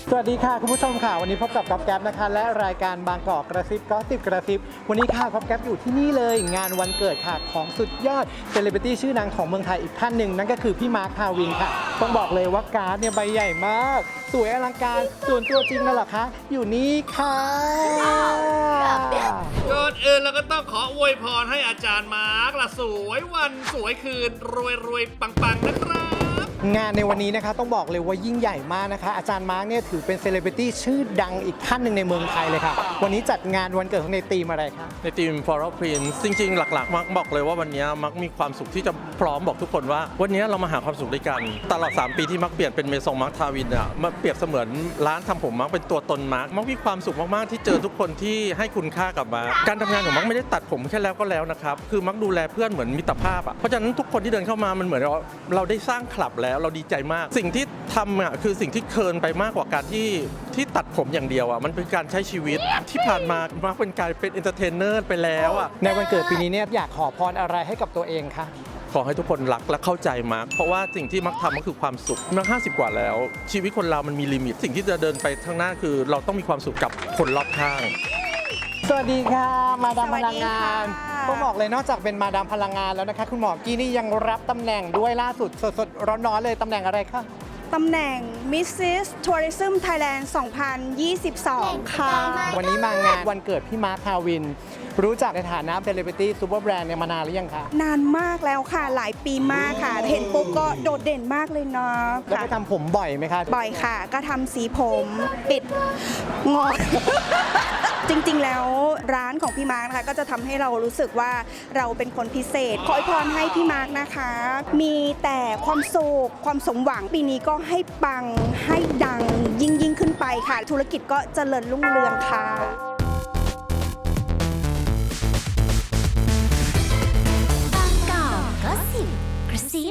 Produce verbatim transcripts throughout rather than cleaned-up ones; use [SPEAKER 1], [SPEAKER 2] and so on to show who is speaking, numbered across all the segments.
[SPEAKER 1] สวัสดีค่ะคุณผู้ชมค่ะวันนี้พบกับก๊อฟแก๊ปนะคะและรายการบางกอกกระซิบก็สิบกระซิบวันนี้ค่ะก๊อฟแก๊ปอยู่ที่นี่เลยงานวันเกิดค่ะของสุดยอดเซเลบริตี้ชื่อดังของเมืองไทยอีกท่านหนึ่งนั่นก็คือพี่มาร์ค พาวินค่ะต้องบอกเลยว่าการ์ดเนี่ยใบใหญ่มากสวยอลังการส่วนตัวจริงนั่นแหละคะอยู่นี่ค่ะ
[SPEAKER 2] ก่อนอื่นเราก็ต้องขออวยพรให้อาจารย์มาร์คละสวยวันสวยคืนรวยรวยปังปังนะครับ
[SPEAKER 1] งานในวันนี้นะคะต้องบอกเลยว่ายิ่งใหญ่มากนะคะอาจารย์มาร์กเนี่ยถือเป็นเซเลบริตี้ชื่อดังอีกท่านหนึ่งในเมืองไทยเลยค่ะวันนี้จัดงานวันเกิดของในธีมอะไรคะ
[SPEAKER 3] ในทีม Floral Prince จริงๆ หลักๆ มักบอกเลยว่าวันนี้มักมีความสุขที่จะพร้อมบอกทุกคนว่าวันนี้เรามาหาความสุขด้วยกันตลอดสามปีที่มักเปลี่ยนเป็นเมซงมักทาวินอ่ะมาเปรียบเสมือนร้านทำผมมักเป็นตัวตนมักมักมีความสุขมากๆที่เจอทุกคนที่ให้คุณค่ากับมักการทำงานของมักไม่ได้ตัดผมแค่แล้วก็แล้วนะครับคือมักดูแลเพื่อนเหมือนมิตรภาพอ่ะเพราะฉะนั้นทุกคนที่เดินเข้ามามันเหมือนเราเราได้สร้างคลับแล้วเราดีใจมากสิ่งที่ทำอ่ะคือสิ่งที่เคินไปมากกว่าการที่ที่ตัดผมอย่างเดียวอ่ะมันเป็นการใช้ชีวิตที่ผ่านมามักเป็นการเป็นเอนเตอร์เทนเนอร์ไปแล้วอ่ะ
[SPEAKER 1] ในวันเกิดปีนี้เนี่ยอยากขอพรอะไรให้กับตัวเองคะ
[SPEAKER 3] ขอให้ทุกคนรักและเข้าใจมักเพราะว่าสิ่งที่มักทำก็คือความสุขมักห้าสิบกว่าแล้วชีวิตคนเรามันมีลิมิตสิ่งที่จะเดินไปข้างหน้าคือเราต้องมีความสุขกับคนรอบข้าง
[SPEAKER 1] สวัสดีค่ะมาดามพลังงานต้องบอกเลยนอกจากเป็นมาดามพลังงานแล้วนะคะคุณหมอกี้นี่ยังรับตำแหน่งด้วยล่าสุดสดๆร้อนๆเลยตำแหน่งอะไรคะ
[SPEAKER 4] ตำแหน่ง มิสซิส Tourism Thailand สองพันยี่สิบสอง ค่ะ
[SPEAKER 1] วันนี้มางานวันเกิดพี่มาร์ค พาวินรู้จักในฐานะเซเลบริตี้ซูเปอร์แบรนด์เนี่ยมานานหรือยังคะ
[SPEAKER 4] นานมากแล้วค่ะหลายปีมากค่ะเห็นปุ๊บก็โดดเด่นมากเลยเนาะ
[SPEAKER 1] แล้วไปทำผมบ่อยไหมคะ
[SPEAKER 4] บ่อยค่ะก็ทำสีผมปิดงอน จริงๆแล้วร้านของพี่มาร์คนะคะก็จะทำให้เรารู้สึกว่าเราเป็นคนพิเศษขออวยพรให้พี่มาร์คนะคะมีแต่ความสุขความสมหวังปีนี้ก็ให้ปังให้ดังยิ่งยิ่งขึ้นไปค่ะธุรกิจก็เจริญรุ่งเรืองค่ะ
[SPEAKER 5] บางกอกก็สิบกระซิ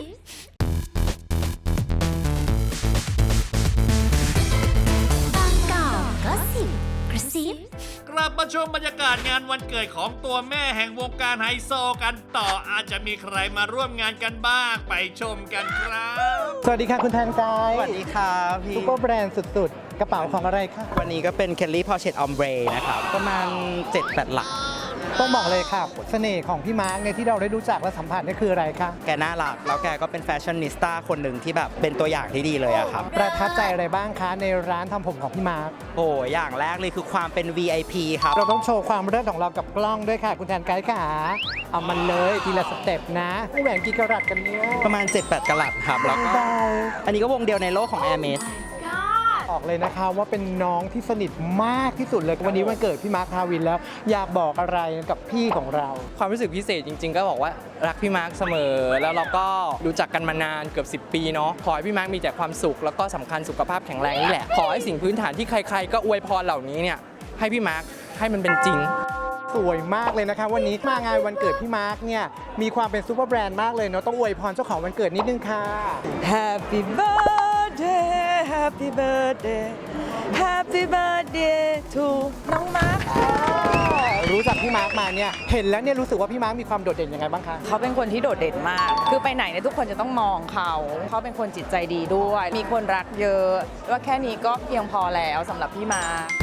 [SPEAKER 5] บางกอกก็สิบกระซิบ
[SPEAKER 2] กลับมาชมบรรยากาศงานวันเกิดของตัวแม่แห่งวงการไฮโซกันต่ออาจจะมีใครมาร่วมงานกันบ้างไปชมกันครับ
[SPEAKER 1] สวัสดีค่ะคุณแทนกาย
[SPEAKER 6] สวัสดีครับพี่
[SPEAKER 1] ซุปเปอร์แบรนด์สุดๆกระเป๋าของอะไรคะ
[SPEAKER 6] วันนี้ก็เป็น Kelly Porchet Ombre นะครับประมาณ เจ็ดแปด หลัก
[SPEAKER 1] ต้องบอกเลยค่ะเสน่ห์ของพี่มาร์คเนี่ยที่เราได้รู้จักและสัมผัสนี่คืออะไรคะ
[SPEAKER 6] แกน่ารักแล้วแกก็เป็นแฟชั่นนิสต้าคนหนึ่งที่แบบเป็นตัวอย่างที่ดีเลยอะครับ
[SPEAKER 1] ประทับใจอะไรบ้างคะในร้านทำผมของพี่มาร์ค
[SPEAKER 6] โอ้อย่างแรกเลยคือความเป็น วี ไอ พี ครับ
[SPEAKER 1] เราต้องโชว์ความเลิศของเรากับกล้องด้วยค่ะคุณแทนไกด์ค่ะเอามันเลยทีละสเต็ปนะแหวนกี่กะรัตกันเนี่ย
[SPEAKER 6] ประมาณ เจ็ดแปด กะรัตครับแล้วก็อันนี้ก็วงเดียวในโลกของ Hermes
[SPEAKER 1] ออกเลยนะคะว่าเป็นน้องที่สนิทมากที่สุดเลยวันนี้วันเกิดพี่มาร์ค พาวินแล้วอยากบอกอะไรกับพี่ของเรา
[SPEAKER 7] ความรู้สึกพิเศษจริงๆก็บอกว่ารักพี่มาร์คเสมอแล้วเราก็รู้จักกันมานานเกือบสิบปีเนาะขอให้พี่มาร์คมีแต่ความสุขแล้วก็สำคัญสุขภาพแข็งแรงนี่แหละขอให้สิ่งพื้นฐานที่ใครๆก็อวยพรเหล่านี้เนี่ยให้พี่มาร์คให้มันเป็นจริง
[SPEAKER 1] สวยมากเลยนะคะวันนี้มางานวันเกิดพี่มาร์คเนี่ยมีความเป็นซูเปอร์แบรนด์มากเลยเนาะต้องอวยพรเจ้าของวันเกิดนิดนึงค่ะ
[SPEAKER 8] Happy birthday Happy birthday Happy birthday to น้องมาร์ค
[SPEAKER 1] รู้จักพี่มาร์คมาเนี่ยเห็นแล้วเนี่ยรู้สึกว่าพี่มาร์คมีความโดดเด่นยังไงบ้างคะ
[SPEAKER 8] เขาเป็นคนที่โดดเด่นมากคือไปไหนเนี่ยทุกคนจะต้องมองเขาเขาเป็นคนจิตใจดีด้วยมีคนรักเยอะว่าแค่นี้ก็เพียงพอแล้วสำหรับพี่มาร์ค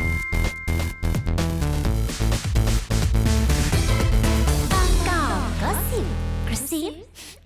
[SPEAKER 5] บางกอกก็สิบกระซิบ